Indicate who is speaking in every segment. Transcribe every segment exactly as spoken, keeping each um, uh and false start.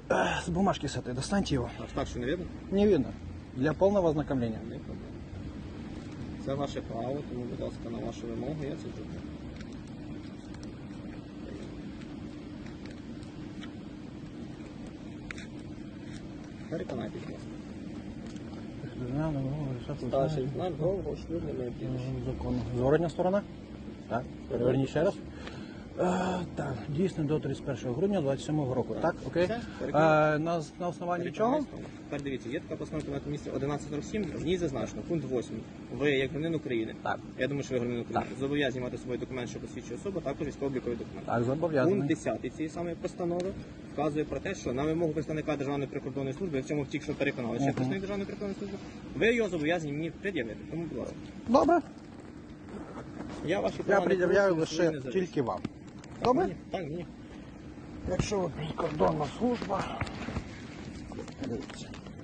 Speaker 1: Э, с бумажки с этой достаньте его.
Speaker 2: А так що не видно?
Speaker 1: Не видно. Для полного ознакомления.
Speaker 2: Не проблема. Це ваше право, тому, будь ласка, на вашу вимогу я це зроблю. Переконайтесь, будь ласка. Старший лейтенант Голубов, шлюбний моє прізвище.
Speaker 1: Законно. Зворотня сторона? Так. Переверніть ще раз. Е, так, дійсно до тридцять першого грудня двадцять сьомого року. Так, окей.
Speaker 2: Все,
Speaker 1: Е, на, на основанні чого?
Speaker 2: Тепер дивіться, є така постанова Кабінету Міністрів одинадцять сорок сім, в ній зазначено, пункт восьмий. Ви, як громадянин України,
Speaker 1: Так.
Speaker 2: я думаю, що ви громадянин України, зобов'язані мати свій документ, що посвідчує особу, також військово-обліковий документ.
Speaker 1: Так, зобов'язаний.
Speaker 2: Пункт десятий цієї самої постанови вказує про те, що на вимогу представника Державної прикордонної служби, в цьому тільки що переконали, що
Speaker 1: Мгм.
Speaker 2: представник Державної прикордонної служби, ви його зобов'язані мені пред'явити. Тому, будь ласка.
Speaker 1: Добре.
Speaker 2: Я ваші
Speaker 1: Я
Speaker 2: права не
Speaker 1: пред'являю
Speaker 2: порушую, свої
Speaker 1: лише
Speaker 2: не завищую.
Speaker 1: тільки вам.
Speaker 2: Так,
Speaker 1: Добре?
Speaker 2: ні, так, ні.
Speaker 1: Якщо ви прикордонна служба. Дивіться.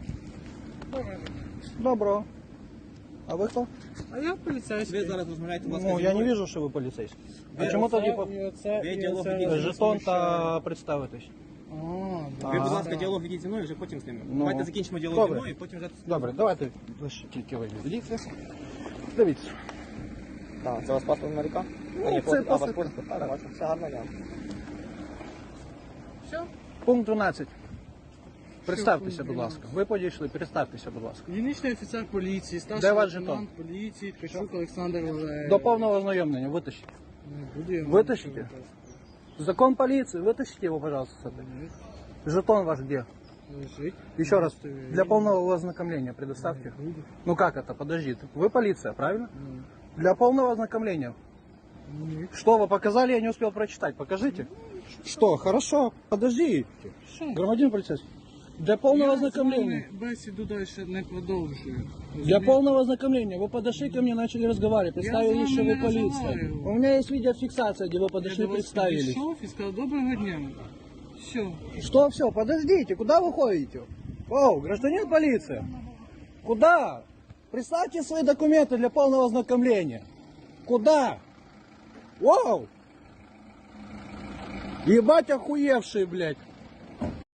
Speaker 1: Добро. А ви хто?
Speaker 3: А я поліцейський.
Speaker 2: Ви зараз розмовляєте, будь ласка,
Speaker 1: Ну,
Speaker 2: зі
Speaker 1: я не
Speaker 2: мною.
Speaker 1: вижу, що ви поліцейський. А
Speaker 2: Ви
Speaker 1: чому
Speaker 3: Оце
Speaker 1: тоді по-
Speaker 3: і оце,
Speaker 2: Ви
Speaker 3: і
Speaker 2: діалог
Speaker 3: оце
Speaker 2: ведіть.
Speaker 3: вас
Speaker 1: жетон та
Speaker 3: смущає.
Speaker 1: представитись?
Speaker 3: А,
Speaker 2: Ви,
Speaker 3: да.
Speaker 2: будь ласка, діалог ведіть зі мною, вже потім з ними.
Speaker 1: Ну.
Speaker 2: Давайте закінчимо діалог
Speaker 1: Добре.
Speaker 2: зі мною, і потім вже...
Speaker 1: Добре, давайте лише тільки ви відійдете. Дивіться.
Speaker 2: Так, це у вас паспорт Америка?
Speaker 1: Ну,
Speaker 2: А, ні,
Speaker 1: це
Speaker 2: паспорт- а,
Speaker 1: паспорт.
Speaker 2: паспорт. Так, бачу, все гарно, дякую.
Speaker 3: Все?
Speaker 1: Пункт дванадцять. Представтеся,
Speaker 3: пункт
Speaker 1: будь ласка. Ви підійшли, представтеся, будь ласка.
Speaker 3: Дільничний офіцер поліції,
Speaker 1: Де
Speaker 3: старший
Speaker 1: ваш
Speaker 3: лейтенант поліції, Ткачук Олександр Валерійович.
Speaker 1: До повного ознайомлення вытащите.
Speaker 3: Не буду я вам
Speaker 1: Витащите?
Speaker 3: нічого казати.
Speaker 1: Закон полиции, вытащите его, пожалуйста, с этой. Жетон ваш где?
Speaker 3: Лежить.
Speaker 1: Еще раз,
Speaker 3: Удостоверение.
Speaker 1: для полного ознакомления предоставьте.
Speaker 3: Не буду.
Speaker 1: Ну как это? Подожди. Вы полиция, правильно?
Speaker 3: Ну,
Speaker 1: Для полного ознакомления.
Speaker 3: ні.
Speaker 1: Что вы показали, я не успел прочитать. Покажите. Что? Хорошо. Подождите.
Speaker 3: Що?
Speaker 1: Громадянин полицейский. Для полного
Speaker 3: Я з
Speaker 1: ознакомления.
Speaker 3: вами бесіду далі не продовжую.
Speaker 1: Для
Speaker 3: Розумієте?
Speaker 1: полного ознакомления. Вы подошли ко мне, начали разговаривать, представились,
Speaker 3: вами
Speaker 1: что вы
Speaker 3: не
Speaker 1: полиция.
Speaker 3: разговариваю.
Speaker 1: У меня есть видеофиксация, где вы
Speaker 3: Я
Speaker 1: подошли,
Speaker 3: до вас
Speaker 1: представились.
Speaker 3: підійшов і сказав, доброго дня. Все.
Speaker 1: Что все? Подождите, куда вы ходите? О, гражданин полиция. Куда? Представьте свои документы для полного ознакомления. Куда? Воу! Ебать охуевший, блядь.